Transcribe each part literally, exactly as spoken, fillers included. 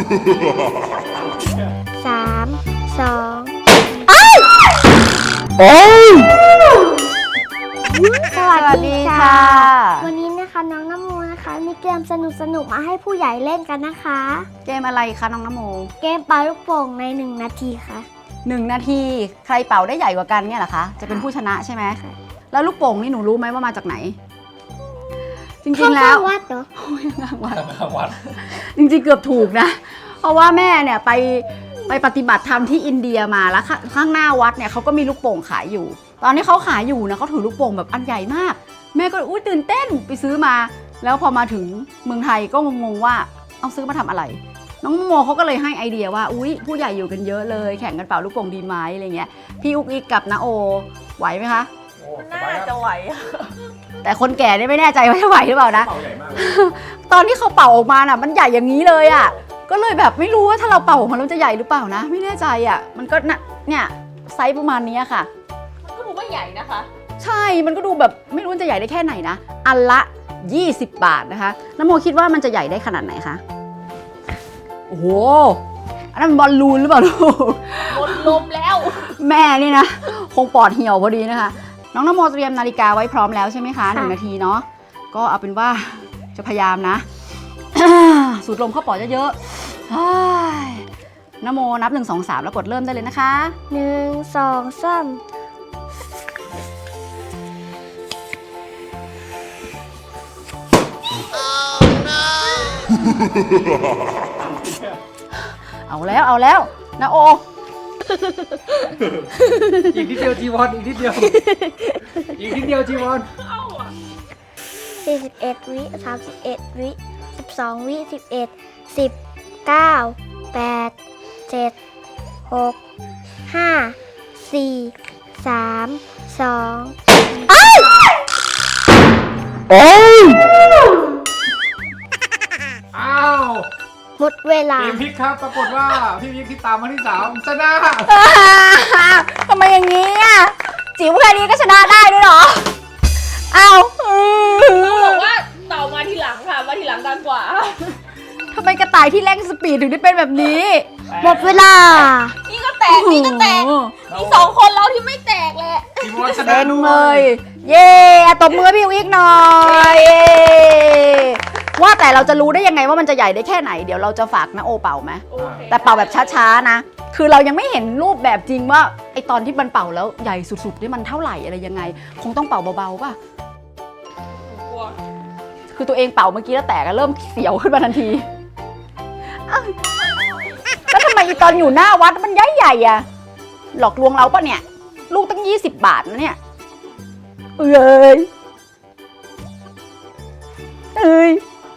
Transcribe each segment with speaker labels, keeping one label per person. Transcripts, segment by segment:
Speaker 1: สามสอง
Speaker 2: โอ้ย
Speaker 1: สวัสดีค่ะวันนี้นะคะน้องน้ำโมนะคะมีเกมสนุกสนุกมาให้ผู้ใหญ่เล่นกันนะคะ
Speaker 2: เกมอะไรคะน้องน้ำโม
Speaker 1: เกมเป่าลูกโป่งในหนึ่งนาทีค่ะ
Speaker 2: หนึ่งนาทีใครเป่าได้ใหญ่กว่ากันเนี่ยเหรอคะจะเป็นผู้ชนะใช่ไหมแล้วลูกโป่งนี่หนูรู้ไหมว่ามาจากไหนจริงๆแล้ว
Speaker 1: วัดเหรอ
Speaker 2: วัดวัดจริงๆเกือบถูกนะเพราะว่าแม่เนี่ยไปไปปฏิบัติธรรมที่อินเดียมาแล้วข้างหน้าวัดเนี่ยเขาก็มีลูกโป่งขายอยู่ตอนนี้เขาขายอยู่นะเขาถือลูกโป่งแบบอันใหญ่มากแม่ก็อุ้ยตื่นเต้นไปซื้อมาแล้วพอมาถึงเมืองไทยก็งงๆว่าเอาซื้อมาทำอะไรน้องโมเขาก็เลยให้ไอเดียว่าอุ้ยผู้ใหญ่อยู่กันเยอะเลยแข่งกันเป่าลูกโป่งดีไหมอะไรเงี้ยพี่อุ๊กอิกกับน้าโอไหวไหมคะ
Speaker 3: น่าจะไหว
Speaker 2: แต่คนแก่เนี่ยไม่แน่ใจว่าจะไหวหรือเปล่านะตอนที่เขาเป่าออกมาน่ะมันใหญ่อย่างนี้เลยอ่ะก็เลยแบบไม่รู้ว่าถ้าเราเป่าออกมาแล้วจะใหญ่หรือเปล่านะไม่แน่ใจอ่ะมันก็เนี่ยไซส์ประมาณนี้ค่ะ
Speaker 3: ก็ดูว่าใหญ่นะคะ
Speaker 2: ใช่มันก็ดูแบบไม่รู้จะใหญ่ได้แค่ไหนนะอันละยี่สิบบาทนะคะน้ำโมคิดว่ามันจะใหญ่ได้ขนาดไหนคะโอ้โหอันนั้นบอลลูนหรือเปล่าลูก
Speaker 3: หมดลมแล้ว
Speaker 2: แม่นี่นะคงปอดเหี่ยวพอดีนะคะน้องน้ำโมเตรียมนาฬิกาไว้พร้อมแล้วใช่ไหมคะหนึ่งนาทีเนาะก็เอาเป็นว่าจะพยายามนะสูดลมเข้าปอดเยอะๆน้ำโมนับหนึ่งสองสามแล้วกดเริ่มได้เลยนะคะ
Speaker 1: หนึ่งสองสาม
Speaker 2: เอาแล้วเอาแล้วนะโอ
Speaker 4: อีกนิดเดียวจีวอนอีกนิดเดียวอีกนิดเดียวจีวอน
Speaker 1: สี่สิบเอ็ดวิสามสิบเอ็ดวิสิบสองวิสิบเอ็ดสิบเก้าแปดเจ็ดหกห้าสี่สามสองอ้าว
Speaker 2: โอ้ย
Speaker 4: อ้าว
Speaker 1: หมดเวลา
Speaker 4: ทีมพิกครับปรากฏว่าพี่พิกที่ตามมาที่สามชนะ
Speaker 2: ทำไมอย่างนี้อ่ะจิ๋วแค่นี้ก็ชนะได้ด้วยเหรออ้าว
Speaker 3: ต้องบอกว่าเต่ามาทีหลังค่ะมาทีหลังกันกว่า
Speaker 2: ทำไมกระต่ายที่เร่งสปีดถึงได้เป็นแบบนี้
Speaker 1: หมดเวลา
Speaker 3: นี่ก็แตกนี่ก็แตกนี่สองคนเราที่ไม่แตกแหละ
Speaker 4: ทีมวอนชนะ
Speaker 2: เลยเย่ตบมือพี่วิกหน่อยว่าแต่เราจะรู้ได้ยังไงว่ามันจะใหญ่ได้แค่ไหนเดี๋ยวเราจะฝากนะโอเป่าไหมแต่เป่าแบบช้าๆนะคือเรายังไม่เห็นรูปแบบจริงว่าไอตอนที่มันเป่าแล้วใหญ่สุดๆนี่มันเท่าไหร่อะไรยังไงคงต้องเป่าเบาๆป่ะคือตัวเองเป่าเมื่อกี้แล้วแตกเริ่มเสียวขึ้นมาทันทีแล้วทำไมอีตอนอยู่หน้าวัดมันใหญ่ๆอ่ะหลอกลวงเราปะเนี่ยลูกตั้งยี่สิบบาทนะเนี่ยเอ้ยเอ้ย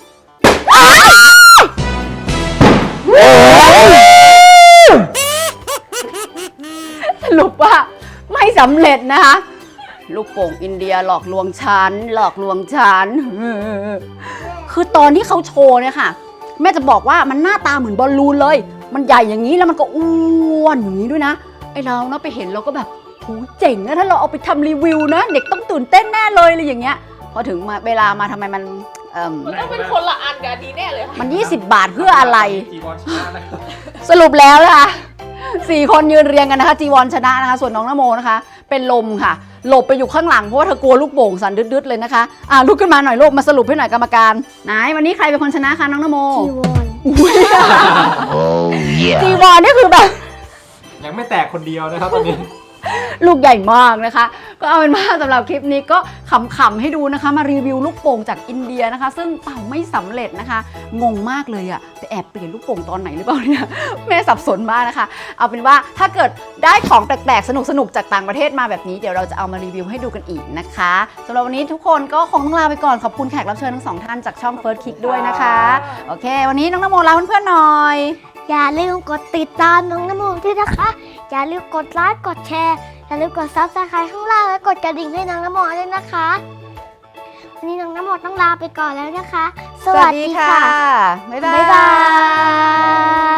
Speaker 2: สรุปว่าไม่สำเร็จนะคะลูกโป่งอินเดียหลอกลวงฉันหลอกลวงฉันคือตอนที่เขาโชว์เนี่ยค่ะแม่จะบอกว่ามันหน้าตาเหมือนบอลลูนเลยมันใหญ่อย่างนี้แล้วมันก็อ้วนอย่างนี้ด้วยนะไอเราเนาะไปเห็นเราก็แบบโหเจ๋งนะถ้าเราเอาไปทำรีวิวนะเด็กต้องตื่นเต้นแน่เลยอะไรอย่างเงี้ยพอถึงมาเวลามาทำไมมัน
Speaker 3: มันต้องเป็นคนละอันกันดีแน่เลย
Speaker 2: มันยี่สิบบาทเพื่ออะไรสรุปแล้วนะคะสี่คนยืนเรียงกันนะคะจีวอนชนะนะคะส่วนน้องนโมนะคะเป็นลมค่ะหลบไปอยู่ข้างหลังเพราะว่าเธอกลัวลูกโป่งสั่นดึดๆเลยนะคะอ่าลุกขึ้นมาหน่อยลูกมาสรุปให้หน่อยกรรมการไหนวันนี้ใครเป็นคนชนะคะน้องนโม
Speaker 1: จีวอน
Speaker 2: จีวอนนี่คือแบบ
Speaker 4: ยังไม่แตกคนเดียวนะครับตอนนี้
Speaker 2: ลูกใหญ่มากนะคะก็เอาเป็นว่าสำหรับคลิปนี้ก็ขำๆให้ดูนะคะมารีวิวลูกโป่งจากอินเดียนะคะซึ่งเป่าไม่สำเร็จนะคะงงมากเลยอะไปแอบเปลี่ยนลูกโป่งตอนไหนหรือเปล่าเนี่ยแม่สับสนมากนะคะเอาเป็นว่าถ้าเกิดได้ของแปลกๆสนุกๆจากต่างประเทศมาแบบนี้เดี๋ยวเราจะเอามารีวิวให้ดูกันอีกนะคะสำหรับวันนี้ทุกคนก็คงต้องลาไปก่อนขอบคุณแขกรับเชิญทั้งสองท่านจากช่อง First Kick ด้วยนะคะโอเควันนี้น้องนโมลาเพื่อนๆหน่อย
Speaker 1: อย่าลืมกดติดตามน้องนโมด้วยนะคะอย่าลืมกดไลค์กดแชร์อย่าลืมกดซับสไครต์ข้างล่างและกดกระดิ่งให้น้องนโมด้วยนะคะวันนี้น้องนโมต้องลาไปก่อนแล้วนะคะสวัสดีค่ะ
Speaker 2: บ๊ายบาย